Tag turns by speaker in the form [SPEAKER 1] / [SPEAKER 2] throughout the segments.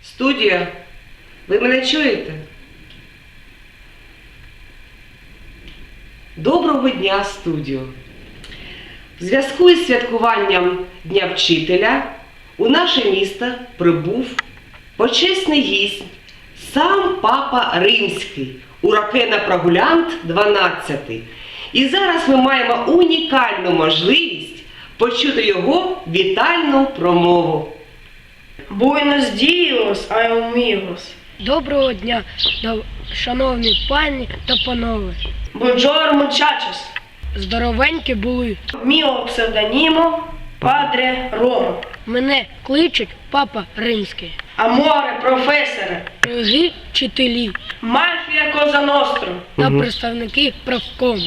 [SPEAKER 1] Студія, ви мене чуєте? Доброго дня, студіо! В зв'язку із святкуванням Дня вчителя у наше місто прибув почесний гість, сам Папа Римський, Уракена Прогулянт 12. І зараз ми маємо унікальну можливість почути його вітальну промову.
[SPEAKER 2] Buenos días, amigos.
[SPEAKER 3] Доброго дня, шановні пані та панове.
[SPEAKER 2] Buongiorno, muchachos.
[SPEAKER 3] Здоровенькі були.
[SPEAKER 2] Mio pseudonimo Padre Roma.
[SPEAKER 3] Мене кличуть Папа Римський.
[SPEAKER 2] Amore, professore.
[SPEAKER 3] Дорогі вчителі
[SPEAKER 2] Mafia Cosa Nostra.
[SPEAKER 3] та представники правкому.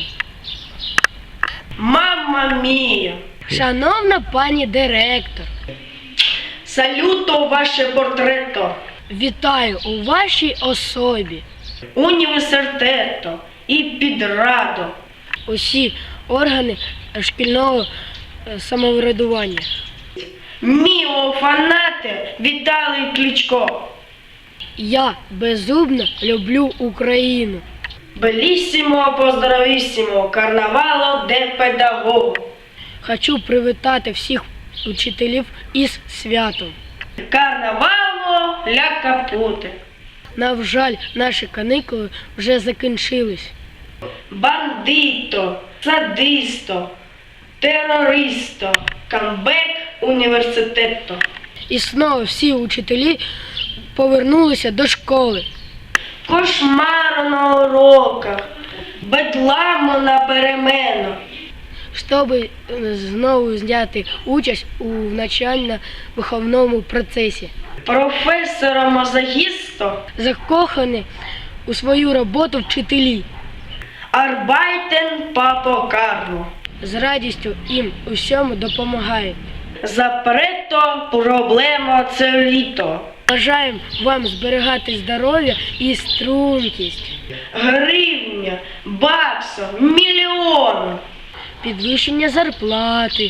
[SPEAKER 2] Mamma mia.
[SPEAKER 3] Шановна пані директор,
[SPEAKER 2] Saluto ваше портретto.
[SPEAKER 3] вітаю у вашій особі.
[SPEAKER 2] Університету і підраду.
[SPEAKER 3] Усі органи шкільного самоврядування.
[SPEAKER 2] Міо фанати Віталій Кличко.
[SPEAKER 3] Я безумно люблю Україну.
[SPEAKER 2] Белісімо, поздоровісімо, карнавало де педагогу.
[SPEAKER 3] Хочу привітати всіх учителів із святом.
[SPEAKER 2] Карнавало ля капути.
[SPEAKER 3] На жаль, наші канікули вже закінчились.
[SPEAKER 2] Бандито, садисто, терористо, камбек університету.
[SPEAKER 3] І знову всі учителі повернулися до школи.
[SPEAKER 2] Кошмару на уроках, бедламу на переменах.
[SPEAKER 3] Щоб знову взяти участь у навчально-виховному процесі.
[SPEAKER 2] Професора мазохісто,
[SPEAKER 3] Закохані у свою роботу вчителі.
[SPEAKER 2] арбайтен папо Карло.
[SPEAKER 3] З радістю їм усьому допомагають.
[SPEAKER 2] Запрето проблема целіто.
[SPEAKER 3] Бажаємо вам зберігати здоров'я і стрункість,
[SPEAKER 2] Гривня, баксо, мільйон.
[SPEAKER 3] підвищення зарплати,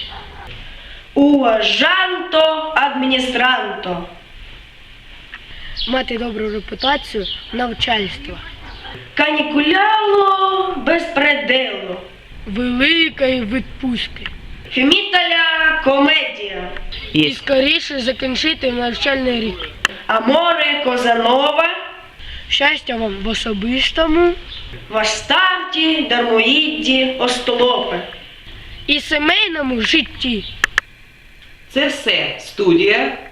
[SPEAKER 2] Уважанто, адміністранто.
[SPEAKER 3] мати добру репутацію навчальства,
[SPEAKER 2] Канікуляло безпределу.
[SPEAKER 3] великої відпустки.
[SPEAKER 2] Фіміталя комедія.
[SPEAKER 3] І скоріше закінчити навчальний рік.
[SPEAKER 2] Аморе Козанова.
[SPEAKER 3] Щастя вам в особистому
[SPEAKER 2] В Астарті, Дармоїдді, Остолопи.
[SPEAKER 3] і сімейному житті.
[SPEAKER 1] Це все, студія.